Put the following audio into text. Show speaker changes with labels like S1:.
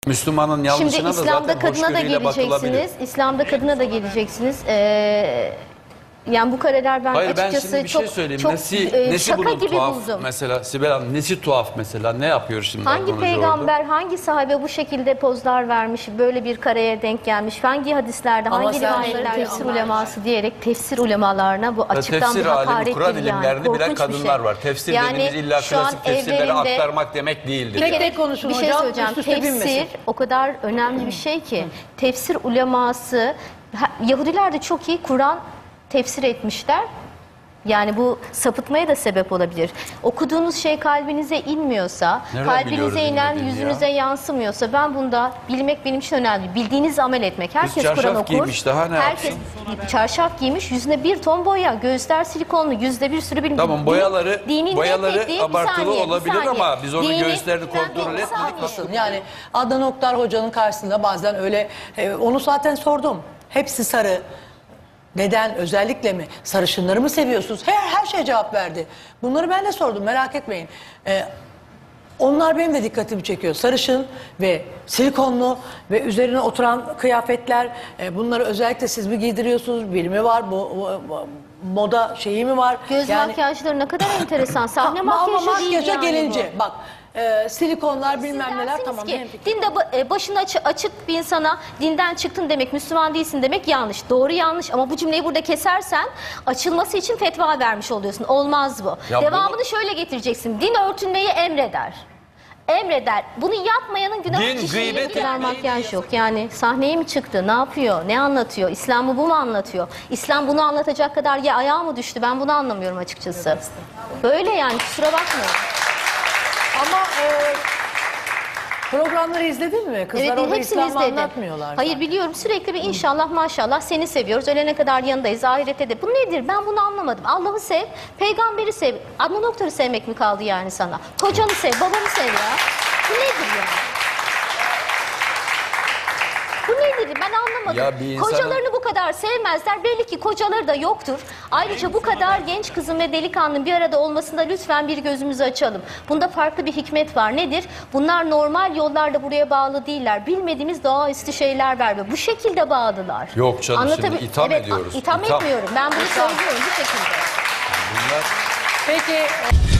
S1: Müslümanın yanlışına
S2: Şimdi
S1: da
S2: İslam'da
S1: zaten
S2: kadına da
S1: hoşgörüyle bakılabilir.
S2: geleceksiniz. İslam'da kadına da geleceksiniz. Yani bu kareler ben
S1: Hayır,
S2: açıkçası
S1: ben şimdi bir şey söyleyeyim. Nesi
S2: şaka
S1: bunun
S2: gibi
S1: tuhaf
S2: buldum.
S1: mesela Sibel Hanım, nesi tuhaf mesela, ne yapıyor şimdi?
S2: Hangi peygamber, hangi sahabe bu şekilde pozlar vermiş, böyle bir kareye denk gelmiş? Hangi hadislerde, hangi rivayetlerde tefsir uleması diyerek tefsir ulemalarına bu açıktan
S1: tefsir
S2: bir
S1: alemi,
S2: hakarettir
S1: Kur'an
S2: yani.
S1: ilimlerini bilen
S2: Korkunç bir
S1: kadınlar
S2: şey.
S1: var. Tefsir
S2: Yani
S1: dediğimiz illa
S2: şu an
S1: klasik tefsirleri
S2: evlerinde-
S1: aktarmak demek değildir.
S3: Tek
S1: yani.
S3: tek konuşun
S2: Bir şey
S3: hocam.
S2: söyleyeceğim.
S3: Üst üste
S2: Tefsir
S3: binmesin.
S2: o kadar önemli bir şey ki. Tefsir uleması, Yahudiler de çok iyi Kur'an tefsir etmişler. Yani bu sapıtmaya da sebep olabilir. Okuduğunuz şey kalbinize inmiyorsa,
S1: Nereden biliyoruz
S2: kalbinize inen
S1: inmediğini
S2: yüzünüze
S1: ya?
S2: yansımıyorsa, ben bunda bilmek benim için önemli. Bildiğiniz amel etmek. Herkes
S1: çarşaf
S2: Kur'an okur.
S1: giymiş, daha ne
S2: Herkes çarşaf giymiş, yüzüne bir ton boya, gözler silikonlu, yüzde bir sürü bilmem.
S1: Tamam, boyaları
S2: Dinin
S1: abartılı olabilir ama biz onun göğüslerini kontrol
S2: Bir saniye.
S1: etmedik.
S3: Yani Adnan Oktar hocanın karşısında bazen öyle onu zaten sordum. Hepsi sarı. Neden, özellikle mi? Sarışınları mı seviyorsunuz? Her şeye cevap verdi. Bunları ben de sordum, merak etmeyin. Onlar benim de dikkatimi çekiyor. Sarışın ve silikonlu ve üzerine oturan kıyafetler. Bunları özellikle siz mi giydiriyorsunuz? Bir mi var? Bu moda şeyi mi var?
S2: Göz makyajları ne kadar enteresan. Sahne
S3: Ama
S2: makyajı değil
S3: makyaja
S2: yani
S3: gelince
S2: bu.
S3: bak silikonlar bilmem neler
S2: Dersiniz
S3: tamam.
S2: ki, dinde başını açık bir insana dinden çıktın demek, Müslüman değilsin demek yanlış. Doğru yanlış ama bu cümleyi burada kesersen açılması için fetva vermiş oluyorsun. Olmaz bu.
S1: Ya
S2: Devamını şöyle getireceksin. Din örtünmeyi emreder. Emreder. Bunu yapmayanın günahı
S1: Din,
S2: kişiliği
S1: gıybet
S2: bu kadar makyaj yok. Yani sahneye mi çıktı? Ne yapıyor? Ne anlatıyor? İslam'ı bu mu anlatıyor? İslam bunu anlatacak kadar ya ayağa mı düştü? Ben bunu anlamıyorum açıkçası. Böyle yani, kusura bakmayın.
S3: Ama programları izledin mi? Kızlar
S2: Evet,
S3: orada
S2: hepsini
S3: İslam'ı
S2: izledim.
S3: anlatmıyorlar.
S2: Hayır, biliyorum, sürekli bir inşallah maşallah seni seviyoruz. Ölene kadar yanındayız. Ahirette de. Bu nedir? Ben bunu anlamadım. Allah'ı sev, peygamberi sev. Adnan Oktar'ı sevmek mi kaldı yani sana? Kocanı sev, babanı sev ya. Bu nedir ya? Bu nedir? Ben anlamadım.
S1: Ya bir insanın-
S2: Kocalarını bu kadar sevmezler. Belli ki kocaları da yoktur. Ayrıca bu kadar genç kızın ve delikanlının bir arada olmasında lütfen bir gözümüzü açalım. Bunda farklı bir hikmet var. Nedir? Bunlar normal yollarda buraya bağlı değiller. Bilmediğimiz doğaüstü şeyler var ve bu şekilde bağlılar.
S1: Yok canım, şimdi itham
S2: evet,
S1: ediyoruz.
S2: İtham etmiyorum. Ben bunu söylüyorum bu şekilde.
S1: Bunlar...
S3: Peki.